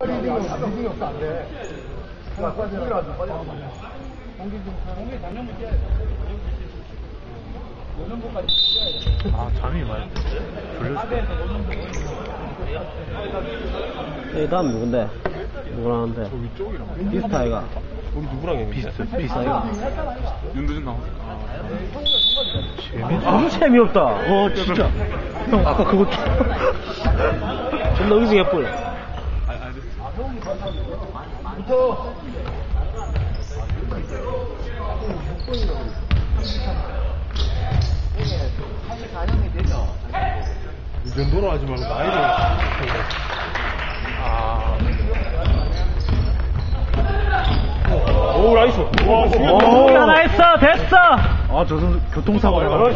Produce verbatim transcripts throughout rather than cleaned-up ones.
리딩이 없어 안 돼. 공기라도 빨리 공기 좀 공기 작년부터 뛰어야 돼. 오년부까지 뛰어야 돼. 아 잠이 많이 졸렸어. 이 다음 누군데? 누구랑 하는데? 저 위쪽이랑 비스타 아이가? 우리 누구랑 했는데? 비스트 비스타 아이가? 윤두준 나오니까. 재밌어. 너무 재미없다. 어 진짜. 형 아까 그거 존나 의지 개뿔. 붙어. 사십사 년이 되죠. 이 정도로 하지 말고 나이를. 아. 오 나이스. 와 오 하나 했어 됐어. 아 저 선수 교통사고 해가지고.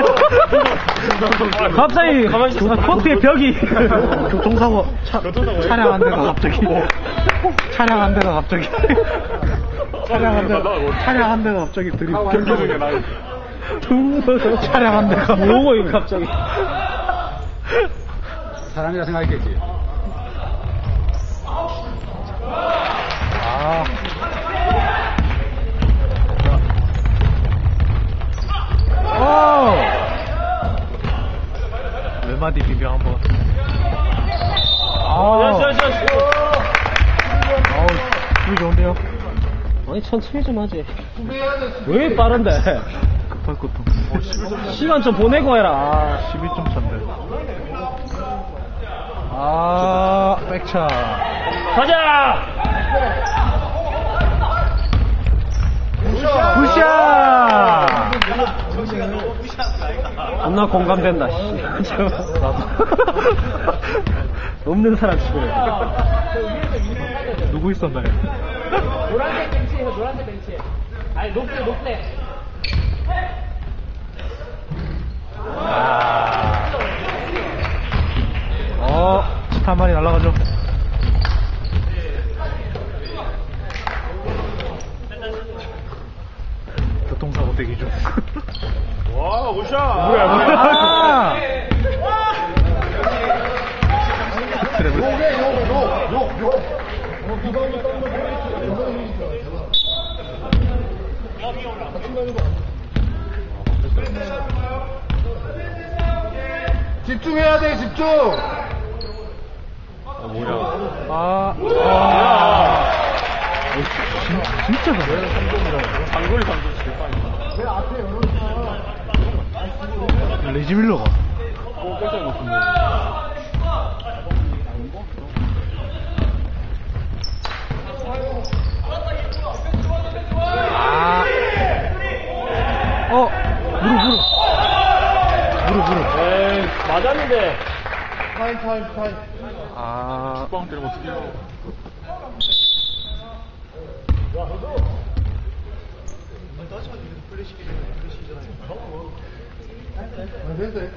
갑자기 코트의 벽이 교통사고 차, 차량 한 대가 갑자기 차량 한 대가 갑자기 차량 한 대가 차량 한 대가 갑자기 들이 경기중에 나 차량 한 대가 뭐고 이거 갑자기 사람이라 생각했겠지. 아 오! 왼마디 비벼 한번. 아, 야야야. 아우, 기분 좋은데요? 아니, 천천히 좀 하지. 왜 빠른데? 급할 것도. 어, 십일 점 시간 좀 보내고 해라. 십일 점 차인데. 아, 백차. 가자! 굿샷! 겁나 공감된다, 씨. 나도. 없는 사람 치고래. 누구 있었나요? 노란색 벤치에서 노란색 벤치. 아니 높대 높대. 아. 어, 치타 한 마리 날아가죠. 교통사고 대기 중. 와, 오샤! 뭐야, 뭐야. 아! 집중해야 돼 집중. 아, 뭐야. 아, 아. 진, 진짜 잘해. 장거리 장거리 제일 빨리. 내 앞에 열어놓고. 레지 밀러가. 오, 깜짝 놀랐네. 아. 어, 무릎, 무릎. 무릎, 무릎. 에이, 맞았는데. 타임 타임 타임. 아. 빵 때리면 어떡해요. 됐어 됐어.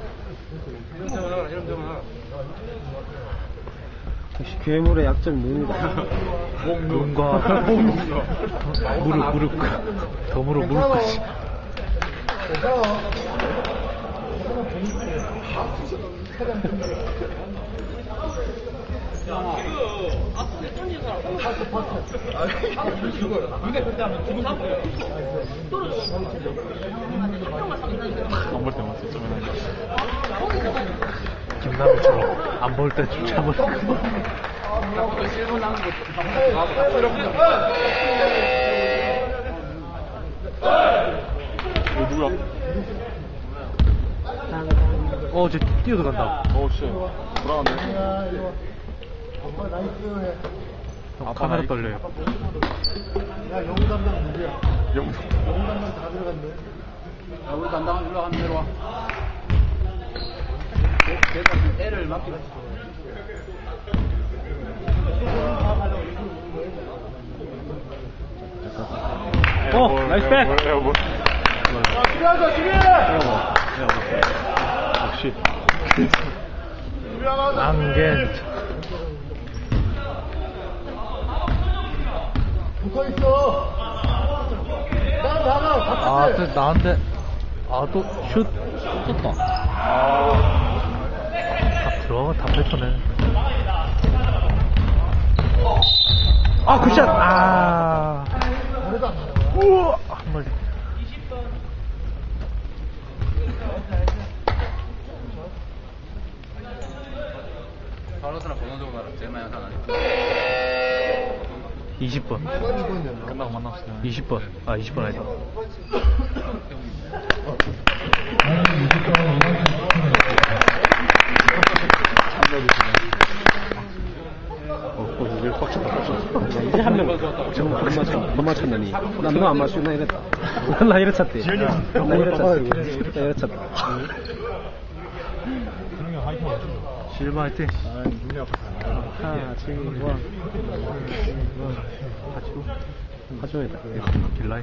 역시 괴물의 약점이 눈이다. 눈과 무릎, 무릎, 덤으로 무릎까지. 괜찮아. 안 볼 때만 쓰죠, 맨날. 김남일처럼 안 볼 때 좀 참을 거. 어, 누구야? 어, 쟤 뛰어들어간다. 어우, 씨. 불안하네. 아빠 나이스 해. 아, 카메라 나이- 떨려요. 야 영우 담당 누구야? 영 영우 담당 다 들어갔네. 야 우리 담당 올라가는 대로 와. 내가 애를 맡기고 있어. 어, 나이스 백! 에어볼. 수비하자 수비! 역시. 앙겐. 붙어있어. 나 나가 아, 같이. 또 나한테. 아, 또 슛. 떴다. 다 들어가, 다 뱉어내. 아, 굿샷! 아. 우와! 한 마리. 바로스랑 번호적으로 말하면 제일 많이 하나 이십 번. 끝나고 만납시다. 이십 번. 아, 이십 번 아니다. 어, 어, 이제 빡쳤다, 빡쳤다. 이제 한 명. 저거 못 맞췄, 못 맞췄나니. 나 누가 안 맞추, 나 이랬다. 나 이랬었대. 나 이랬었대. 나 이랬었다. 실버 화이팅. 하나, 둘, 원. 가지고. 가져야겠다. 길라이.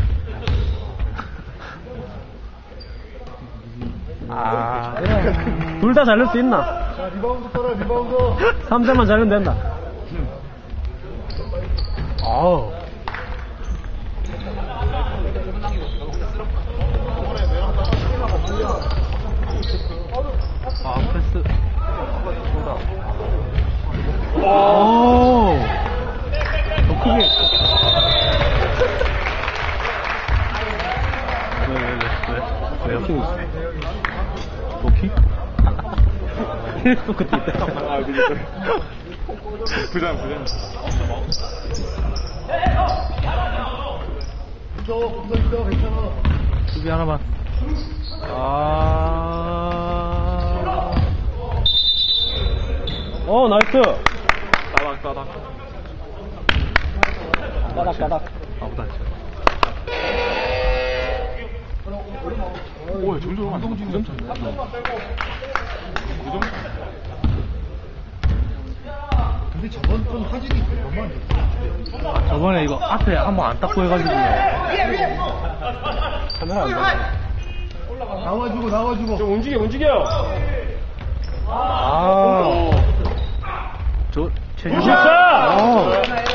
아, 둘 다 잘 넣을 수 있나? 자, 리바운드 떠라, 리바운드. 삼 대만 잘 넣으면 된다. 아우. 아, 패스. 오. 더 크게. 왜, 왜, 왜, 왜? 왜 옆에 있어? 도키? 또 그때 있다. 아, 그니까. 부장, 부장. 붙어, 붙어 있어, 괜찮아. 수비 하나만. 아. 어, 나이스. 따닥, 따닥. 까닥, 까닥. 아무다. 오, 점점 안 동지 구 점 찼네. 구 점? 근데 저번 건 화질이 너무 안 좋다. 저번에 이거 앞에 한번 안 닦고 해가지고. 카메라 안 돼. 나와주고, 나와주고. 좀 움직여, 움직여! 아. 저, 최준. 굿샷! 어.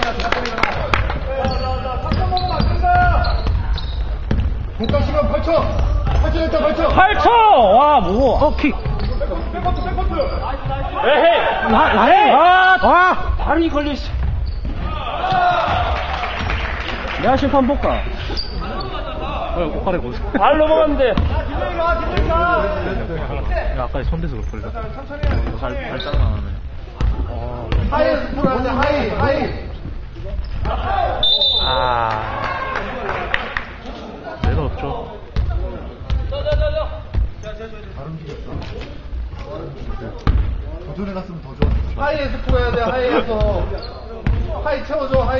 공격 시간 팔 초. 팔 초 됐다, 팔 초. 팔 초! 와, 뭐. 어, 킥. 에헤이! 나, 나해! 아, 아! 발이 걸려있어. 내가 심판 볼까? 어, 꽃가래 고수. 발 넘어갔는데. 야, 아까 손대서 그럴 걸려. 발, 발 짜증 나네. 어. 하이 스포를 하자, 하이, 하이. 아. 내가 없죠. 잘 움직였어. 도전해 갔으면 더 좋아. 하이에 스포 해야 돼, 하이에서. 하이 채워줘, 하이.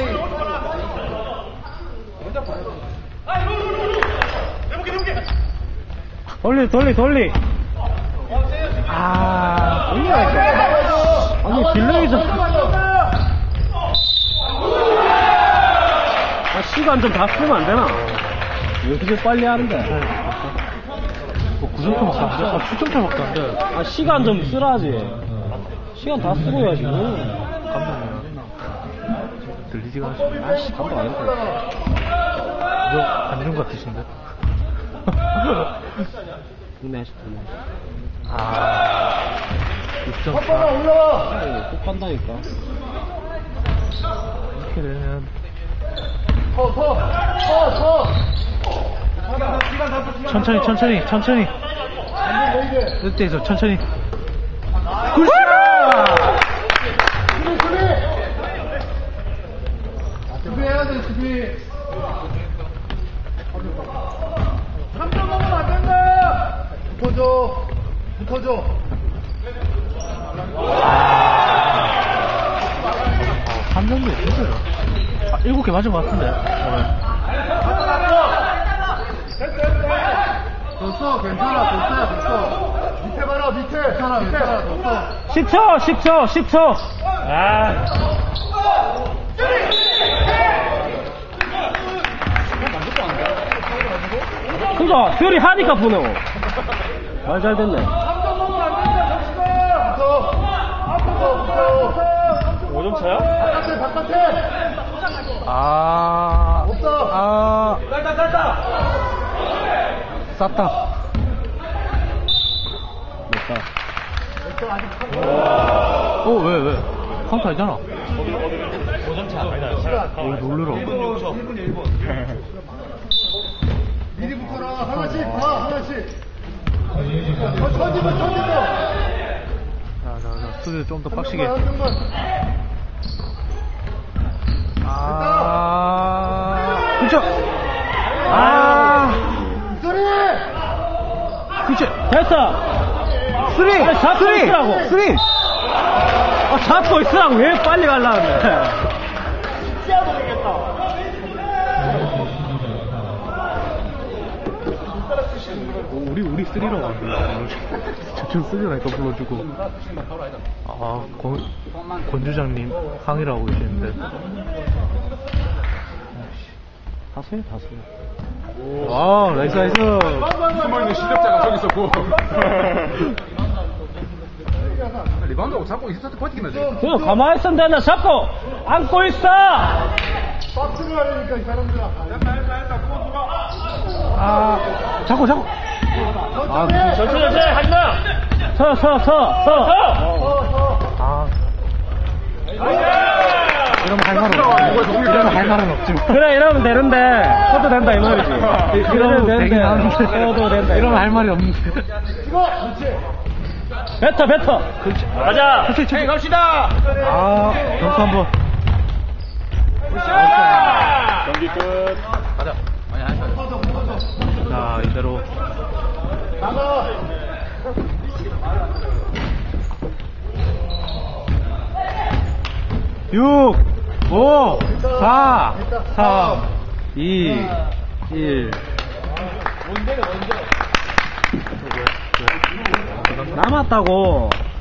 돌리, 돌리, 돌리. 아, 돌리라니까. 아니, 딜레이 좀. 아, 시간 좀 다 쓰면 안 되나? 왜 이렇게 빨리 하는데? 뭐, 구 점차 막안 돼? 아, 칠 점차 막안 돼. 아, 시간 좀 쓰라지. 시간 다 쓰고 해야지. 감독이야. 들리지가 않지. 아씨, 감독 아닌데. 너, 안준 같으신데? 국내 하시더니. 아. 육 점 사. 한번만 올라와. 꼭 간다니까. 이렇게 되면. 더, 더, 더, 더. 시간 다 써, 시간 천천히, 다 써. 천천히, 천천히. 안돼, 왜 이래? 이때에서 천천히. 굿샷! 수비, 수비! 수비해야 돼, 수비. 삼 점 먹으면 안 된다! 붙어줘. 붙어줘. 한 점도 힘들어. 아, 일곱 개 맞은 것 같은데, 오늘. 됐어, 괜찮아, 됐어, 됐어. 밑에 봐라, 밑에. 괜찮아, 괜찮아, 됐어. 십 초, 십 초, 십 초. 아. 그니까, 퓨리 하니까 보네. 말 잘 됐네. 삼 점 먹으면 안 된다, 정신아! 붙어. 붙어, 붙어. 오 점 차야? 바깥에, 바깥에. 아. 없어. 아. 짧다, 짧다. 쌌다. 됐다. 됐어, 아직 한 어, 왜, 왜? 카운트 아니잖아. 오, 놀래라. 미리 붙어라. 하나씩 봐, 하나씩. 천지만, 천지만. 자, 자, 자, 수비 좀 더 빡시게. 한 명만, 한 명만. 아, 그쵸. 아, 소리! 그치. 됐어. 쓰리, 아니, 잡고 쓰리, 있으라고. 쓰리. 아, 잡고 있으라고 왜 빨리 가려고 하는데. 오, 우리, 우리 쓰리라고 안 불러. 저쪽 쓰리라니까 불러주고. 아, 권, 권주장님 항의를 하고 계시는데. 하세요, 하세요. 와, 나이스, 나이스. 숨어있는 실력자가 저기 있었고. 리바운드하고 잡고 있었을 때 버티기만 해. 그거 가만히 있으면 되나? 잡고 안고 있어. 박스를 하려니까 이 사람들아. 아, 잡고, 잡고. 아, 천천히 천천히 하지마. 서 서 서 서. 아. 이러면 할 말은 없지. 이러면 할 말은 없지. 그래 이러면 되는데 써도 된다 이 말이지. 이러면 되는데 써도 된다. 이러면 할 말이 없는데. 이거! 그렇지. 뱉어 뱉어. 가자. 그렇지, 그렇지. 갑시다. 아, 점수 한 번. 경기 끝. 가자. 아니, 아니, 아니. 자, 이대로. 나가! 육, 오, 사, 삼, 이, 일. 남았다고.